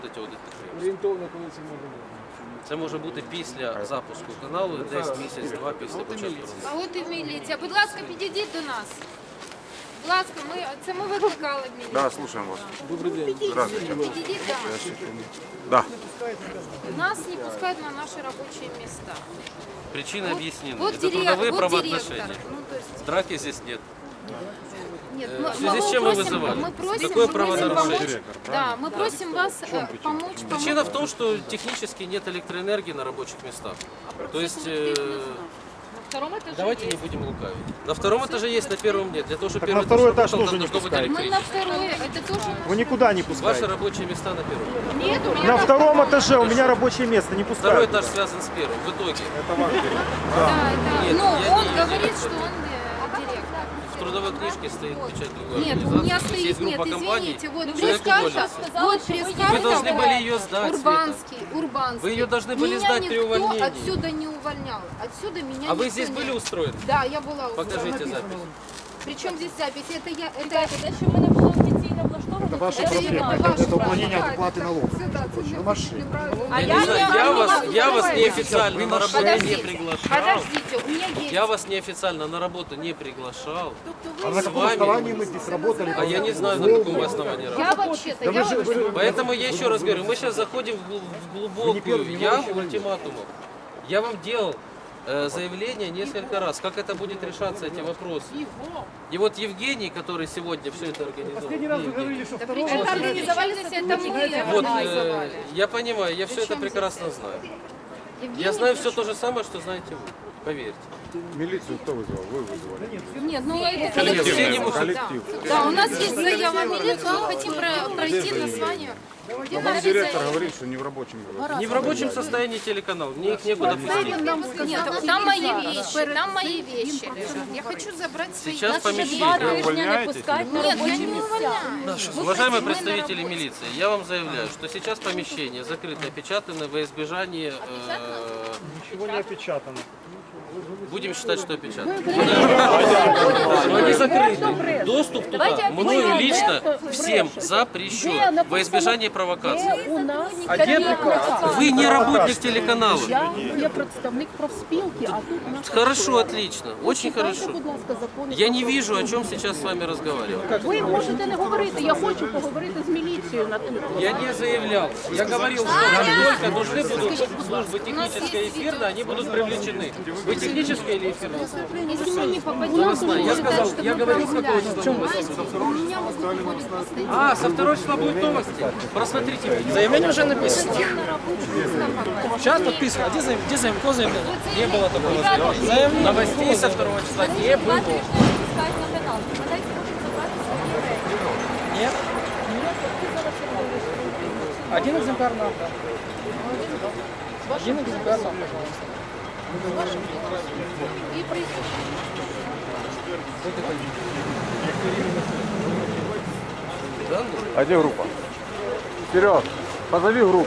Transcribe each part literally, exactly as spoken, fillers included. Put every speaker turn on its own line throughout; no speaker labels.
Орієнтовно, коли це може бути?
Це може бути після запуску каналу, десь місяць-два після початку роботи.
А от і міліція. Будь ласка, підійдіть до нас. Будь ласка, ми, це ми викликали міліцію.
Да, слушаем вас.
Добрий день.
Здравствуйте.
Підійдіть до нас.
Да.
Нас не пускают на наши рабочие места.
Причины объяснены.
Вот,
Это
дирек-
трудовые
вот
правоотношения.
директор. Ну, то есть,
Драки здесь нет.
нет,
Э,
мы,
в связи
мы
с чем вы
просим,
вызывали?
мы просим,
Какое
мы просим
правонарушение?
помочь. Да, мы просим вас э, помочь.
Причина
помочь.
в том, что технически нет электроэнергии на рабочих местах. То есть, э,
втором этаже
давайте не будем лукавить. На втором этаже есть, на первом нет. Для того, чтобы
Так
первый
на второй
этаж
этаж
работал,
тоже
там
не
должно быть
пускайте.
Мы на
электричество.
второе, это тоже
Вы никуда не
Ваши
пускаете.
рабочие места на первом.
нет, у меня
На втором этаже у меня рабочее место, не
Второй
пускают.
этаж связан с первым. В итоге
Да, да.
Нет,
Но
я
он
не-
говорит, что он э, директор.
в трудовой книжке стоит печать другой
Нет, у
организации.
меня
То есть
стоит,
есть группа
нет,
компаний,
извините, вот
человек
пресс-карта,
уволился.
вот пресс-карта.
Вы должны были ее сдать,
Урбанский, Урбанский.
Вы ее должны были
Меня
сдать при
никто
увольнении.
отсюда не увольнял. Отсюда меня
А вы
никто
здесь
не-
были устроены?
Да, я была
Покажите
устроена.
запись.
Причем здесь запись? Это я, это,
Ребята, те, що ми не були офіційно влаштовані,
Это ваша
це
проблема.
вина.
Это,
ваше
это уклонение
право.
от уплаты налогов.
Сюда, сюда,
машине.
А
Я,
я
не знаю,
не-
я,
не
вас,
могу
я вас
давайте.
неофициально на работу не
Подождите,
приглашал.
подождите, у меня есть.
Я вас неофициально на работу не приглашал.
А на
С
каком
вами.
основании мы здесь работали?
А я не знаю, на каком вы основании работаете.
Я вообще-то, я вообще...
Поэтому я еще раз говорю, мы сейчас заходим в гл- в глубокую яму ультиматумов. Я вам делал э, заявление несколько раз, как это будет решаться, эти вопросы. И вот Евгений, который сегодня все это организовал, Евгений,
Это организовали, это мы
вот, э,
организовали.
я понимаю, я все это прекрасно знаю.
Евгений,
Я знаю все то же самое, что знаете вы, поверьте.
Милицию кто вызвал? Вы вызвали.
Нет, ну это...
Коллектив, все не
Да.
могут.
Коллектив.
Да, у нас есть заява в милицию, мы хотим про- пройти название. Где
Вам
наши
директор
заявки?
говорит, что не в рабочем говорит.
Не в рабочем состоянии телеканал, мне их некуда пустить.
Нет, там мои вещи, там мои вещи лежат. Я хочу забрать свои
Сейчас
вещи.
помещение.
Два
Вы
тижні не пускають на
Нет, я
робочі
не
місця.
увольняю.
Уважаемые представители милиции, я вам заявляю, что сейчас помещение закрыто, опечатано во избежание... э,
Ничего не опечатано.
будем считать, что опечатано. Но они закрыты. Доступ туда мною лично всем запрещен во избежание провокации.
У нас
А где приказ?
Вы не работник телеканала.
я є представник профспілки, а тут у нас
Хорошо, отлично, очень
Читайте,
хорошо.
будь ласка, закони.
Я не вижу, о чем сейчас с вами разговаривать.
Ви можете не говорити, я хочу поговорити з міліцією на тим.
Я не заявлял. Я говорил, что как только нужны будут службы технической и эфирной, они будут привлечены. Вы техническая или эфирная?
Если мы не попадем,
Новостная. Я сказал, я говорил, с какого числа новости?
у меня могут уволить постоянно.
А, со второго числа будут новости. Просмотрите. Заявление уже написано.
Сейчас подписываю. А где заявление? Где заявление? Кто заявление?
Не было такого заявления. Новостей со второго числа не
Два
было.
тижні не пускають на канал. Вони можуть забрати свої речі.
Нет. Один экземпляр нам. Один экземпляр нам, пожалуйста.
И присутствие.
А где группа? Вперед! Позови группу.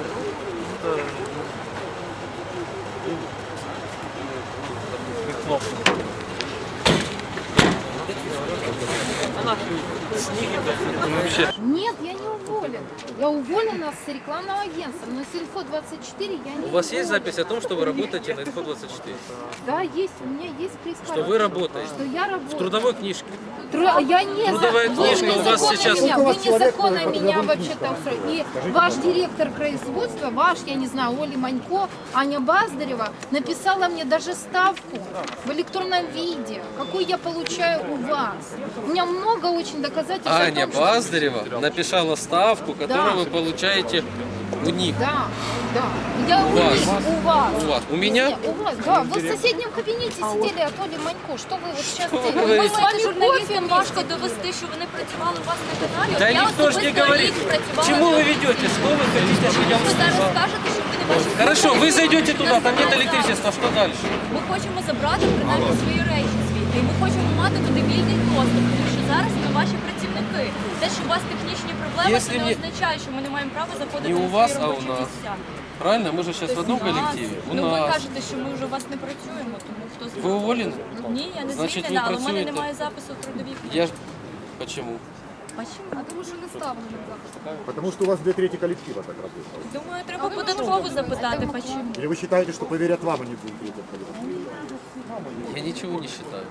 Нет, я не уволена. Я уволена с рекламного агентства, но с Инфо двадцать четыре я не
У вас есть
уволена.
запись о том, что вы работаете на Инфо двадцать четыре?
Да, есть, у меня есть пресс-карта.
Что вы работаете?
Что я
В
работаю.
трудовой книжке.
Тру- Я не
Трудовая
за...
книжка
вы
у вас
незаконно
сейчас-
Меня, вы незаконно меня вообще-то устроили. И ваш директор производства, ваш, я не знаю, Оля Манько, Аня Баздарева, написала мне даже ставку в электронном виде, какую я получаю у вас. У меня много очень доказательств. о
Аня
том, что-
Баздарева написала ставку, которую
Да.
вы получаете у них.
Да, да. Я у,
вас.
них, у вас.
У вас. У меня?
Нет, у вас, да. Вы в соседнем кабинете сидели от Оли Манько. Что вы вот сейчас
Что вы
делаете?
говорите?
Мы с вами
Журналістам
кофе
важко довести, що вони працювали у вас на каналі.
Да
Я
никто же не
особисто
говорит.
рік працювала
Чему
на-
вы ведете? Что вы хотите, чтобы я
Ви зараз
услышал?
скажете, що ви не бачите.
Хорошо, вы зайдете туда, там нет электричества, что дальше?
Ми хочемо забрати принаймні свої речі звідти. І ми хочемо мати туди вільний доступ, тому що зараз ми ваші працівники. Те, що у вас технічні проблеми,
Якщо
це не
ні-
означає, що ми не маємо права заходити
Не
на
у
свої
вас, а у
робочі
нас.
місця.
Правильно? Мы же сейчас в одном
У нас.
коллективе. У
Ну ви
нас.
кажете, що ми вже у вас не працюємо, тому хто
Вы
знає.
уволены?
Ні, я не
Значить, ви
звільнена, але в мене
працюєте?
немає запису в трудовій книжці.
Я ж... Почему?
Почему?
А тому що не ставлено так.
Потому что у вас две трети коллектива так работает.
Думаю, треба податково запитати, почему.
Или вы считаете, что поверят вам, а не двум третьим коллективу?
Я ничего не считаю.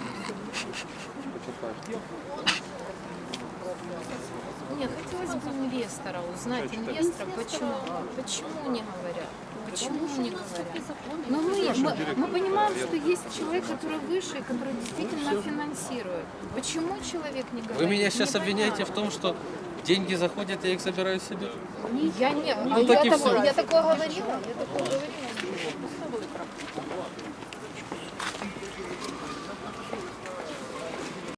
Нет, хотелось бы инвестора узнать, инвестора, почему, почему не говорят, почему не говорят. Но мы, мы, мы понимаем, что есть человек, который выше, и который действительно финансирует. Почему человек не говорит?
Вы меня сейчас
Непонятно.
обвиняете в том, что деньги заходят, я их забираю себе?
Я не,
Ну, так и
я,
всё.
такого, я такого говорила, я такого говорила.